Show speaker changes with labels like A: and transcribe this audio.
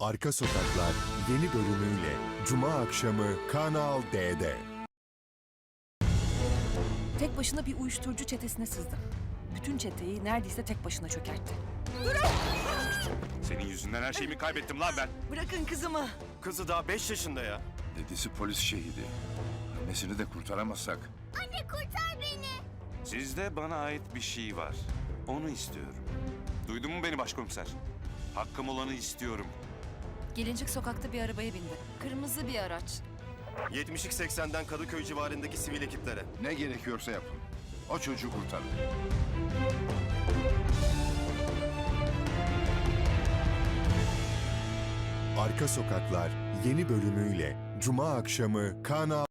A: Arka Sokaklar yeni bölümüyle Cuma akşamı Kanal D'de.
B: Tek başına bir uyuşturucu çetesine sızdı. Bütün çeteyi neredeyse tek başına çökertti.
C: Senin yüzünden her şeyimi kaybettim lan ben.
B: Bırakın kızımı.
D: Kızı daha 5 yaşında ya.
E: Dedesi polis şehidi. Annesini de kurtaramazsak.
F: Anne kurtar beni.
C: Sizde bana ait bir şey var. Onu istiyorum. Duydun mu beni başkomiser? Hakkım olanı istiyorum.
B: Gelincik sokakta bir arabaya bindi. Kırmızı bir araç.
D: 70'lik 80'den Kadıköy civarındaki sivil ekiplere.
E: Ne gerekiyorsa yapın. O çocuğu kurtarın.
A: Arka Sokaklar yeni bölümüyle Cuma akşamı Kanal